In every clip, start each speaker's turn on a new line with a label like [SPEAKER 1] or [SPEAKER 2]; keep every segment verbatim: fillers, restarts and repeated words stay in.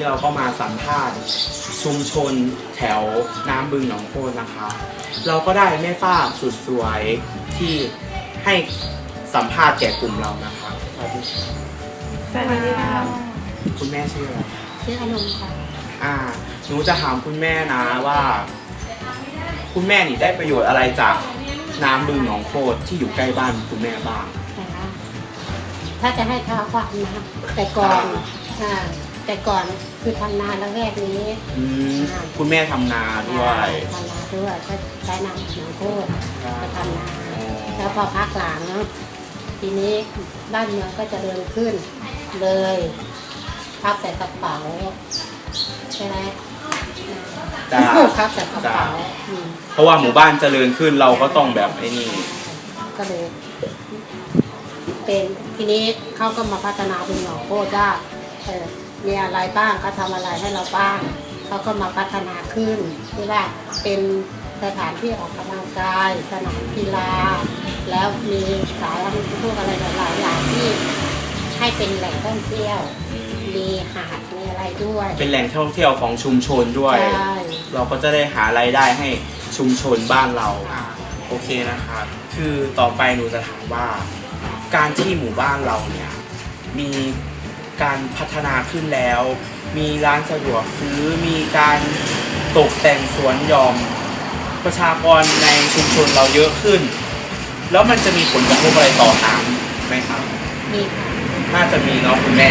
[SPEAKER 1] เราก็มาสัมภาษณ์ชุมชนแถวน้ำบึงหนองโคตรนะคะเราก็ได้แม่ป้าสุดสวยที่ให้สัมภาษณ์แก่กลุ่มเรานะคะสวัสดีค่ะ
[SPEAKER 2] สวัสดีค่ะ
[SPEAKER 1] คุณแม่ชื่ออะไร
[SPEAKER 2] ชื่ออนงค่ะ
[SPEAKER 1] อ่าหนูจะถามคุณแม่นะว่า คุณแม่นี่ได้ประโยชน์อะไรจากน้ำบึงหนองโคตรที่อยู่ใกล้บ้านคุณแม่บ้าง
[SPEAKER 2] นะคะถ้าจะให้ท้าความนะแต่ก่อนอ่าแต่ก่อนคือทำนาแล้วแรกนี้
[SPEAKER 1] อืมคุณแม่ทำนาด้วย
[SPEAKER 2] ทำนาด้วยก็ใช้น้ำหนองโคตรไปทำนา
[SPEAKER 1] อ๋อ
[SPEAKER 2] แล้วพอพักหลังทีนี้บ้านเมืองก็เจริญขึ้นเลยพับแต่กระเป๋าใช่ไหม
[SPEAKER 1] จ้า
[SPEAKER 2] พับแต่กระเป๋าอืม
[SPEAKER 1] เพราะว่าหมู่บ้านเจริญขึ้นเราก็ต้องแบบไอ้นี่
[SPEAKER 2] ก็เลยเป็นทีนี้เขาก็มาพัฒนาเป็นหนองโคตรว่าเออมีอะไรบ้างเขาทำอะไรให้เราบ้างเขาก็มาพัฒนาขึ้นที่ว่าเป็นสถานที่ออกกำลังกายสนามกีฬาแล้วมีสายพวกอะไรหลายๆอย่างที่ให้เป็นแหล่งท่องเที่ยวมีหาดมีอะไรด้วย
[SPEAKER 1] เป็นแหล่งท่องเที่ยวของชุมชนด้วย
[SPEAKER 2] ใช่
[SPEAKER 1] เราก็จะได้หารายได้ให้ชุมชนบ้านเราโอเคนะครับคือต่อไปหนูจะถามว่า การที่หมู่บ้านเราเนี่ยมีการพัฒนาขึ้นแล้ว มีร้านสะดวกซื้อมีการตกแต่งสวนหย่อมประชากรในชุมชนเราเยอะขึ้น แล้วมันจะมีผลกระทบอะไรต่อน้ำไหมครับ
[SPEAKER 2] มีค่ะ
[SPEAKER 1] น่าจะมีเนาะคุณแม่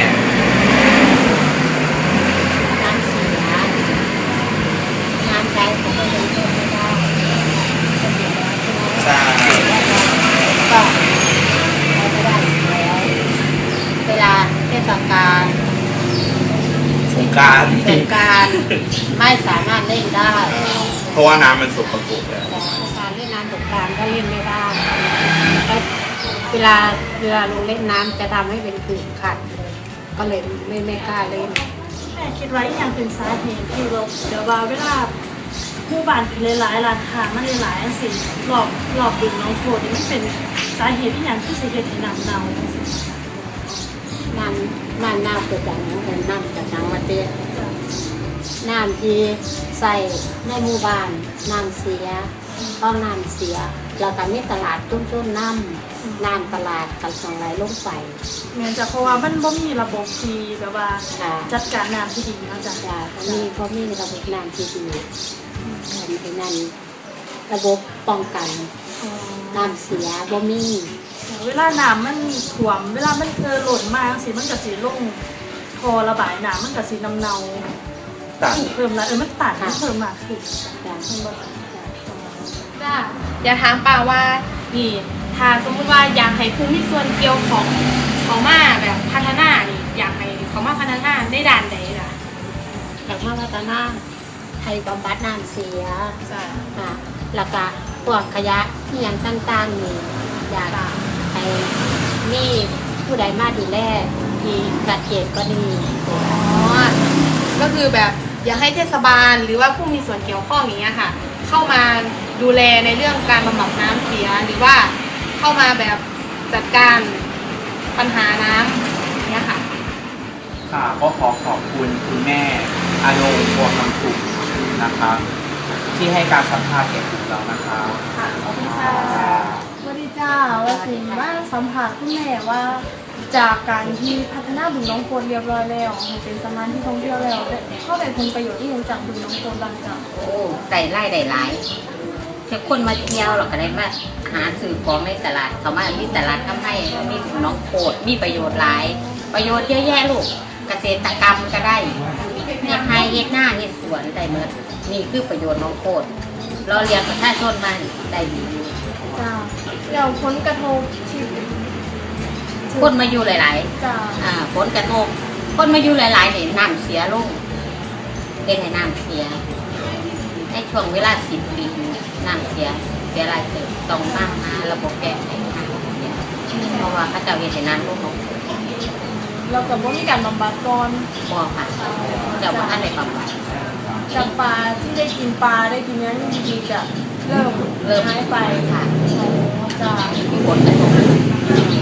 [SPEAKER 2] น้ำเสียน้ำใจเขาก็ยังเพิ่มไม่ได้ก็เสียแล้วใช่ไหม
[SPEAKER 1] ใช่
[SPEAKER 2] ก็ใช้ไม่ได้อยู่แล้วเวลาเทศกาล
[SPEAKER 1] สงกรานต์
[SPEAKER 2] สงกรานต์ไม่สามารถเล่นได้
[SPEAKER 1] เพราะว่าน้ำมันสกปรกแล้ว
[SPEAKER 2] แต่การเล่นน้ำสงกรานต์ก็เล่นไม่ได้แล้วเวลาเวลาลงเล่นน้ำจะทำให้เป็นขื่นขัดเลยก็เลยไม่ไม่กล้าเล่น
[SPEAKER 3] แม่คิดว่าอย่างเป็นสาเหตุที่เราเดี๋ยวว่าเวลาผู้บ้านคือหลายๆร้านค้ามันหลายๆสิ่งหลอกหลอกดึงน้องโคดนี่มันเป็นสาเหตุที่อย่างที่สิเหตุให้นำเนา
[SPEAKER 2] น้ำน้ำน้ำเกิดจากน้ำเป็นน้ำจากน้ำมาเตี้ยน้ำที่ใส่ในหมู่บ้านน้ำเสียต้องน้ำเสียแล้วก็มีตลาดตุ้นๆน้ำน้ำตลาดกันสองไหลลงไป
[SPEAKER 3] เหมือนจะเพราะว่ามันบ่มีระบบที่แบบว่า
[SPEAKER 2] ค่ะ
[SPEAKER 3] จัดการน้ำที่ดีเนาะจ้ะ
[SPEAKER 2] จ้ะเพราะมีเพราะมีระบบน้ำที่ดีอันนี้นั่นระบบป้องกัน
[SPEAKER 3] อ๋อ
[SPEAKER 2] น้ำเสียบ่มี
[SPEAKER 3] เวลาน้ำมันท่วมเวลามันเกิดหล่นมาสิมันก็สิลงทอระบายน้ำมันก็สิน้ำเนา
[SPEAKER 1] ตัด
[SPEAKER 3] เพิ่มละเออมันตัดมันเพิ่มมากขึ้น
[SPEAKER 2] จ้ะ
[SPEAKER 3] มันบ่
[SPEAKER 4] จ้าอยากถามป่าว่านี่ถ้าสมมติว่าอยากให้ภูมิส่วนเกี่ยวของของมาแบบพัฒนานี่อยากให้เขามาพัฒนาได้ด่านใดล่ะ
[SPEAKER 2] แต่ว่าพัฒนาไทยบำบัดน้ำเสีย
[SPEAKER 4] จ้า
[SPEAKER 2] ค่ะแล้วก็พวกขยะที่ยังต่างๆนี่อยากให้มีผู้ใดมาดูแลที่จัดเก็บก็ดี
[SPEAKER 4] อ๋อก็คือแบบอยากให้เทศบาลหรือว่าผู้มีส่วนเกี่ยวข้องอย่างเงี้ยค่ะ เข้ามาดูแลในเรื่องการบำบัดน้ำเสียหรือว่าเข้ามาแบบจัดการปัญหาน้ำอย่างเงี้ยค่ะ
[SPEAKER 1] ค่ะก็ขอขอบคุณคุณแม่อารมณ์พวงคำถูกนะครับ ที่ให้การสัมภาษณ์แก่กลุ่มเรานะครับ
[SPEAKER 3] ค่ะขอบคุณค่ะสวัสดีจ้าว่าสิว่าสัมผัสคุณแม่ว่า จากการที่พัฒนาบึงน้องโคลเรียบร้อยแล้วให้เป็นสถานที่ท่องเที่ยวแล้วเข้าได้ผลประโยชน์ที่ยังจากบึงน้องโคลบ้างจ้ะ
[SPEAKER 5] โอ้ได้ไล่ได้หลายแต่คนมาเที่ยวเราก็ได้มาหาซื้อของในตลาดเขามามีตลาดทำให้มีน้องโคดมีประโยชน์หลาย ประโยชน์เยอะแยะลูกเกษตรกรรมก็ได้เฮ็ดไร่เฮ็ดหน้าเฮ็ดสวนได้หมดนี่คือประโยชน์น้องโคดเราเรียนประชาชนมาได้ดี
[SPEAKER 3] จ้าแล้วผลกระทบที่
[SPEAKER 5] คนมาอยู่หลาย
[SPEAKER 3] จ้า
[SPEAKER 5] ๆอ่าผลกระทบคนมาอยู่หลายๆเนี่ยน้ำเสียลงเป็นให้น้ำเสียในช่วงเวลาสิบปีน้ำเสียเสียรายเติบต้องมาหาระบบแก้ไขน้ำเสียเพราะว่าพระเจ้าเฮ็ดให้น้ำลงลง
[SPEAKER 3] เราก็บ่มีการบำบัดก่อน
[SPEAKER 5] บ่ค่ะเจ้าบ่ทันได้บำบัด
[SPEAKER 3] จากปลาที่ได้กินปลาได้กินเนื้อดีๆจะเริ่ม
[SPEAKER 5] เริ่ม
[SPEAKER 3] หายไป
[SPEAKER 5] ค่ะ
[SPEAKER 3] จ้า
[SPEAKER 5] มีผลกระทบ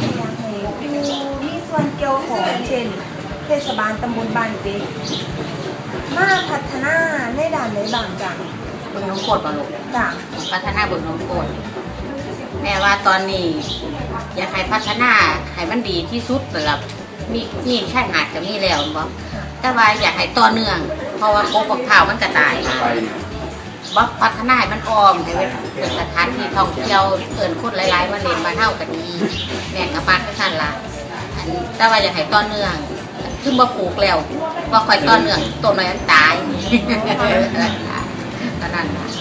[SPEAKER 6] มีส่วนเกี่ยวของเช่น เทศบาลตำบลบ้านเด็ก
[SPEAKER 3] มาพัฒนาในด่านไหนบ้างจ้ะ
[SPEAKER 5] บึงน้องโคตรบ่ลูก
[SPEAKER 3] จ้ะ
[SPEAKER 5] พัฒนาบึงน้องโคตรแม่ว่าตอนนี้ อยากให้พัฒนาให้มันดีที่สุดสำหรับมีนี่ชายหาดก็มีแล้วบ่แต่ว่าอยากให้ต่อเนื่อง เพราะว่าโคกข่าวมันก็ตายบ่พัฒนาให้มันออมให้เป็นสถานที่ท่องเที่ยวเอิ้นคนหลายๆมาเล่นมาเฮาก็ดีแม่ก็ปากคือซั่นล่ะอันแต่ว่าอยากให้ต่อเนื่องคือบ่ปลูกแล้วบ่ค่อยต่อเนื่องต้นไม้มันตายตอนนั้นล่ะ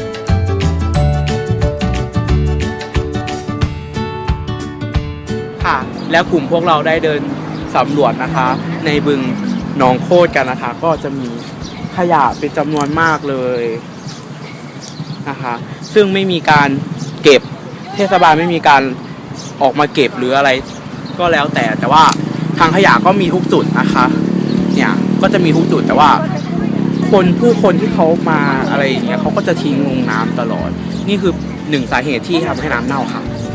[SPEAKER 1] ค่ะแล้วกลุ่มพวกเราได้เดินสำรวจนะคะ ในบึงหนองโคตรกันนะคะ ก็จะมีขยะเป็นจำนวนมากเลยนะคะซึ่งไม่มีการเก็บเทศบาลไม่มีการออกมาเก็บหรืออะไรก็แล้วแต่แต่ว่าทางขยะก็มีทุกจุดนะคะเนี่ยก็จะมีทุกจุดแต่ว่าคนผู้คนที่เขามาอะไรอย่างเงี้ยเขาก็จะทิ้งลงน้ำตลอดนี่คือหนึ่งสาเหตุที่ทำให้น้ำเน่าค่ะ